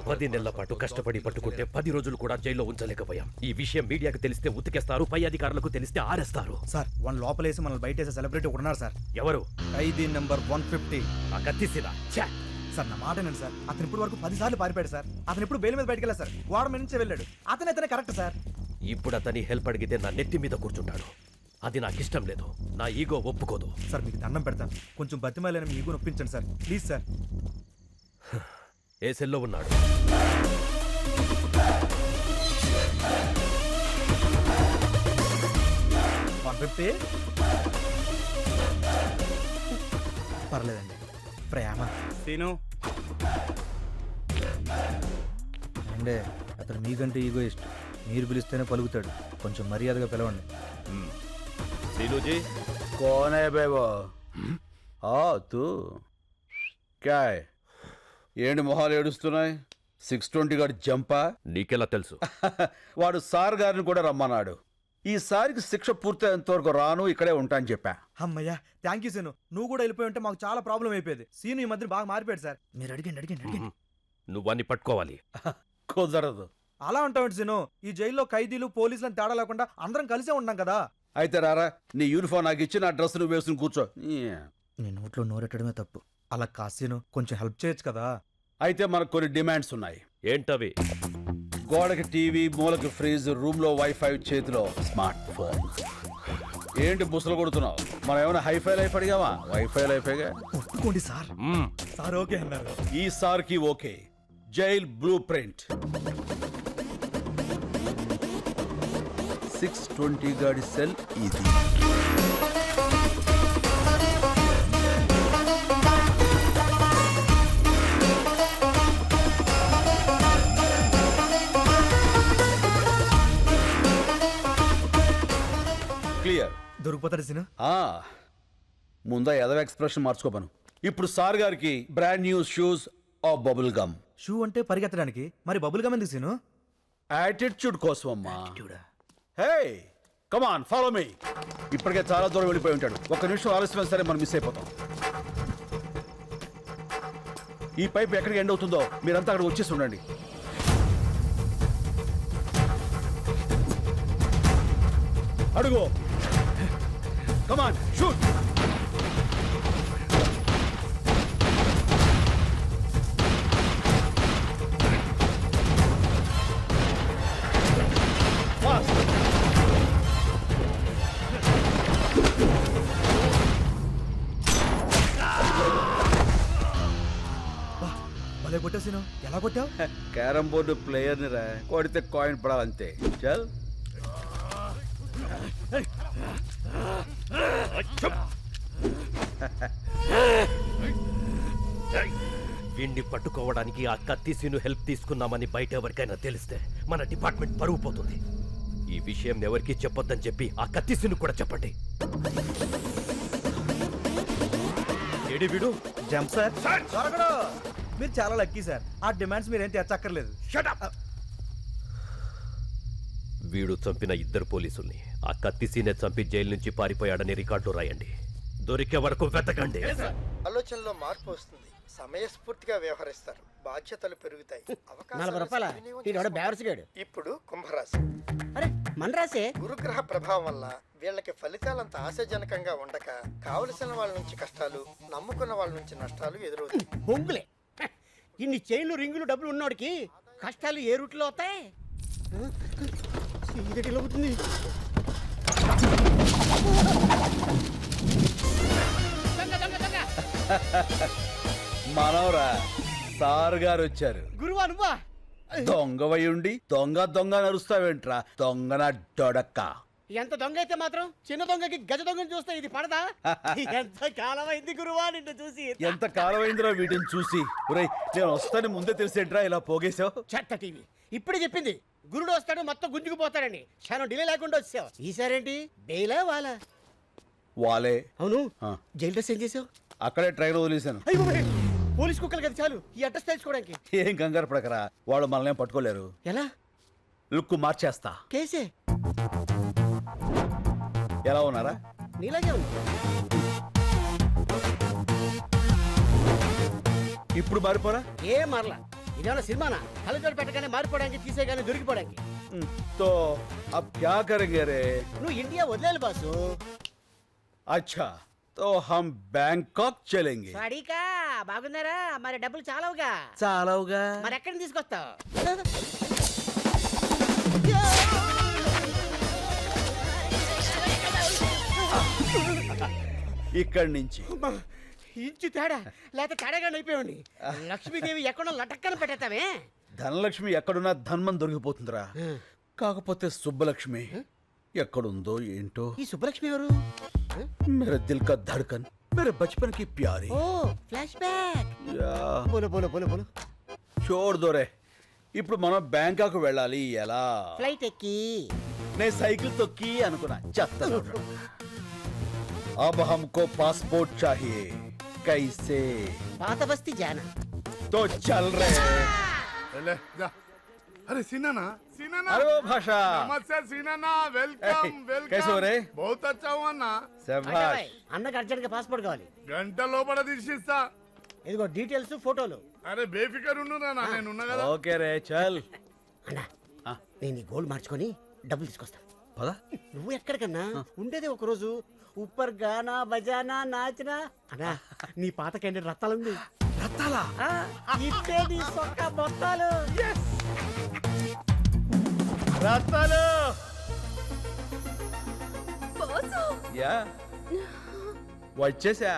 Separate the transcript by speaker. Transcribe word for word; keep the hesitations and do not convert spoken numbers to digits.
Speaker 1: పది నెలల పాటు కష్టపడి పట్టుకుంటే పది రోజులు కూడా జైల్లో ఉంచలేకపోయాం. ఈ విషయం మీడియాకు తెలిస్తే ఉతికేస్తారు, పై అధికారులకు తెలిస్తే ఆరేస్తారు.
Speaker 2: సార్ వన్ లోపలేసి మనల్ని బయట వేసే సెలబ్రిటీ ఒకడున్నారు సార్.
Speaker 1: ఎవరు?
Speaker 2: ఖైదీ నెంబర్ వన్ ఫిఫ్టీ.
Speaker 1: ఆ కత్తిసినా
Speaker 2: సార్ నా మాట నండి సార్, అతను ఇప్పుడు వరకు పది సార్లు పారిపోయాడు సార్. అతను ఇప్పుడు బెయిల్ మీద బయటకు వెళ్ళారు సార్, గోడ మీద నుంచి వెళ్ళాడు. అతను అతనే కరెక్ట్ సార్.
Speaker 1: ఇప్పుడు అతని హెల్ప్ అడిగితే నా నెత్తి మీద కూర్చుంటాడు. అది నాకు ఇష్టం లేదు, నా ఈగో ఒప్పుకోదు.
Speaker 2: సార్ మీకు దండం పెడతాను, కొంచెం బతిమాలని మీ ఈగో నొప్పించండి సార్ ప్లీజ్ సార్.
Speaker 1: ఏ సెల్లో ఉన్నాడు?
Speaker 2: వన్ ఫిఫ్టీ పర్లేదండి. ప్రేమ
Speaker 3: సీను
Speaker 2: అంటే అతను మీకంటే ఈగో ఇష్టం, మీరు పిలిస్తేనే పలుకుతాడు. కొంచెం మర్యాదగా పిలవండి.
Speaker 1: సీనుజీ
Speaker 4: कौन है बे वो? हाँ तू क्या है? ఏంటి మొహాలు ఏడుస్తున్నాయి? సిక్స్ ట్వంటీ గారు జంపా?
Speaker 1: నీకెలా తెలుసు?
Speaker 4: వాడు సార్ గారిని కూడా రమ్మన్నాడు. ఈసారికి శిక్ష పూర్తయ్యేంత వరకు రాను, ఇక్కడే ఉంటా అని చెప్పా.
Speaker 2: అమ్మయ్యా థ్యాంక్ యూ సీను, నువ్వు కూడా వెళ్ళిపోయి ఉంటే మాకు చాలా ప్రాబ్లం అయిపోయేది. సీను ఈ మధ్య బాగా మారిపోయాడు సార్. మీరు అడిగండి అడిగండి అడిగండి.
Speaker 1: నువ్వన్నీ పట్టుకోవాలి.
Speaker 4: కుదరదు.
Speaker 2: అలా ఉంటావు సీను, ఈ జైల్లో ఖైదీలు పోలీసులను తేడా లేకుండా అందరం కలిసే ఉన్నాం కదా.
Speaker 4: అయితే రారా, నీ యూనిఫామ్ నాకు ఇచ్చి నా డ్రెస్ నువ్వు వేసుకుని కూర్చో.
Speaker 2: నీ నోట్లో నోరెట్టడమే తప్పు. అలా కాసీను కొంచెం హెల్ప్ చేయొచ్చు కదా.
Speaker 4: అయితే మనకు కొన్ని డిమాండ్స్ ఉన్నాయి.
Speaker 1: ఏంటవి?
Speaker 4: గోడకి టీవీ, మూలకి ఫ్రిడ్జ్, రూమ్ లో వైఫై, చేతిలో స్మార్ట్ ఫోన్. ఏంటి బుసలు కొడుతున్నావు? మనం ఏమైనా హైఫై లైఫ్ అడిగావా? వైఫై లైఫేగా.
Speaker 2: ఒప్పుకోండి సార్. సార్ ఓకే అన్నారు.
Speaker 4: ఈ సార్ కి okay. Jail blue print. Six twenty గాడి సెల్ ఇది. క్లియర్.
Speaker 2: దొరికిపోతాడు సీను.
Speaker 4: ముందా ఎదవ ఎక్స్ప్రెషన్ మార్చుకోపను. ఇప్పుడు సార్ గారికి brand new shoes of bubble gum.
Speaker 2: Shoe అంటే పరిగెత్తడానికి, మరి బబుల్ గమ్ ఎందుకు సీను?
Speaker 4: యాటిట్యూడ్ కోసం అమ్మా. హే కమ్ ఆన్ ఫాలో మీ. ఇప్పటికే చాలా దూరం వెళ్ళిపోయి ఉంటాడు. ఒక్క నిమిషం ఆలస్యం సరే మనం మిస్ అయిపోతాం. ఈ పైప్ ఎక్కడికి ఎండ్ అవుతుందో మీరంతా అక్కడ వచ్చేసి ఉండండి. అడుగు. Come on shoot.
Speaker 2: భలే కొట్టావు సీను, ఎలా కొట్టావు?
Speaker 4: క్యారం బోర్డు ప్లేయర్ ని రా, కొడితే కాయిన్ పడాలంతే. చల్.
Speaker 1: వీణ్ణి పట్టుకోవడానికి ఆ కత్తిసీను హెల్ప్ తీసుకున్నామని బయట ఎవరికైనా తెలిస్తే మన డిపార్ట్మెంట్ పరువు పోతుంది. ఈ విషయం ఎవరికి చెప్పొద్దని చెప్పి ఆ కత్తిసీను కూడా చెప్పండి. ఏడి వీడు?
Speaker 2: Jump sir. దొరకడు. మీరు చాలా లక్కీ సార్, ఆ డిమాండ్స్ మీరేం తెచ్చక్కర్లేదు.
Speaker 1: వీడు చంపిన ఇద్దరు పోలీసుల్ని ఆ కత్తిసీనే చంపి జైలు నుంచి పారిపోయాడని రికార్డులో రాయండి. దొరికే వరకు వెతకండి.
Speaker 5: ఆలోచనలో మార్పు వస్తుంది, సమయస్ఫూర్తిగా వ్యవహరిస్తారు, బాధ్యతలు పెరుగుతాయి.
Speaker 6: నలభై రూపాయల
Speaker 5: ఇప్పుడు కుంభరాశి.
Speaker 6: అరే మన రాసే.
Speaker 5: గురుగ్రహ ప్రభావం వల్ల వీళ్ళకి ఫలితాలంత ఆశాజనకంగా ఉండక కావలసిన వాళ్ళ నుంచి కష్టాలు, నమ్ముకున్న వాళ్ళ నుంచి నష్టాలు ఎదురవుతాయి.
Speaker 6: బొంగులే. ఇన్ని చైన్లు రింగులు డబ్బులు ఉన్నోడికి కష్టాలు ఏ రూట్లో అవుతాయి? అవుతుంది.
Speaker 4: మనవరా, సార్ గారు వచ్చారు.
Speaker 6: గురువా నువ్వా?
Speaker 4: దొంగవై ఉండి దొంగ దొంగ నరుస్తావేంట్రా దొంగన డొడక్క.
Speaker 6: ఎంత దొంగ అయితే మాత్రం చిన్న దొంగకి గజ దొంగని చూస్తే ఇది పడదా? ఎంత కాలమైంది గురువా నిన్ను చూసి.
Speaker 4: ఎంత కాలమైందిరా వీటిని చూసి. ఒరేయ్, నేను వస్తాను ముందే తెలిసేంట్రా ఇలా పోగేశావు?
Speaker 6: చెత్త టీవీ ఇప్పుడే చెప్పింది గురుడు వస్తాడు మొత్తం గుంజుకుపోతాడని. క్షణం డిలే లేకుండా వచ్చావు. ఈసారేంటి బెయిలా వాలా?
Speaker 4: వాలే.
Speaker 6: అవును, జైలు డ్రెస్ ఏం చేసావు?
Speaker 4: అక్కడే ట్రైన్ వదిలేశాను.
Speaker 6: పోలీస్ కుక్కలు కదా చాలు ఈ అడ్రస్ తెలుసుకోవడానికి.
Speaker 4: ఏం కంగారు పడకరా, వాళ్ళు మనల్ని పట్టుకోలేరు.
Speaker 6: ఎలా?
Speaker 4: లుక్ మార్చేస్తా.
Speaker 6: కేసే.
Speaker 4: ఎలా ఉన్నారా?
Speaker 6: నీలాగే ఉంది.
Speaker 4: ఇప్పుడు మారిపోరా?
Speaker 6: ఏ మరలా ఇదేమన్నా సినిమానా కళ్ళజోడు పెట్టగానే మారిపోవడానికి తీసేగానే దొరికిపోవడానికి
Speaker 4: तो अब क्या करेंगे रे?
Speaker 6: నువ్వు ఇండియా వదిలేలు బాసు
Speaker 4: अच्छा तो हम बैंकॉक चलेंगे.
Speaker 6: వాడికా బాగున్నారా మరి డబ్బులు చాలవుగా
Speaker 4: చాలవుగా.
Speaker 6: మరి ఎక్కడి నుంచి తీసుకొస్తావు
Speaker 4: ఇక్కడి నుంచి
Speaker 6: అమ్మా, ఇంచు తేడా లేకపోతే తేడాగా అయిపోయాడి లక్ష్మీదేవి ఎక్కడో లటక్కన పెట్టేస్తావే
Speaker 4: ధనలక్ష్మి ఎక్కడున్నా ధన్మం దొరికిపోతుందిరా. కాకపోతే సుబ్బలక్ష్మి ఎక్కడుందో ఏంటో.
Speaker 6: ఈ సుబ్బలక్ష్మి ఎవరు
Speaker 4: మేరే దిల్ కా ధడ్కన్ మేరే బచ్పన్ కి ప్యారీ.
Speaker 6: ఓ ఫ్లాష్ బ్యాక్
Speaker 4: యా
Speaker 6: బోలో బోలో బోలో బోలో
Speaker 4: చోర్ దోరే. ఇప్పుడు మనం బ్యాంకాక్ వెళ్ళాలి ఎలా?
Speaker 6: ఫ్లైట్ ఎక్కి
Speaker 4: నేను సైకిల్ తొక్కి అనుకున్నా చెత్త. अब हमको पासपोर्ट चाहिए. कैसे?
Speaker 6: పాత బస్తీ జానా
Speaker 4: तो चल रहे.
Speaker 3: ले, जा। अरे सीनाना सीनाना
Speaker 4: अरे वो भाषा.
Speaker 3: नमस्ते सीनाना वेलकम
Speaker 4: Hey,
Speaker 3: वेलकम
Speaker 4: कैसे हो रे?
Speaker 3: बहुत अच्छा हुआ ना
Speaker 4: శభాష్.
Speaker 6: అన్నకు అర్జెంట్ గా పాస్పోర్ట్ కావాలి
Speaker 3: గంట లోపల తీసిస్తా
Speaker 6: ఇదిగో డీటెయిల్స్ ఫోటోలు
Speaker 3: అరే బేఫికర్ ఉండురా నా నేను ఉన్నా కదా
Speaker 4: ఓకే రే చల్.
Speaker 6: అన్నా
Speaker 4: ఆ.
Speaker 6: నేను ఈ గోల్డ్ మార్చుకొని డబ్బులు తీసుకొస్తా
Speaker 4: పద.
Speaker 6: నువ్వు ఎక్కడికన్నా ఉండేది ఒక రోజు ఉప్పర్ గానా బజానా నాచనా అన్నా నీ పాత క్యాండిడేట్ రత్తాలుంది
Speaker 4: రత్తాలా?
Speaker 6: ఇట్టే నీ సొక్క మొత్తాలు
Speaker 4: రత్తాలు. యా వచ్చేసా.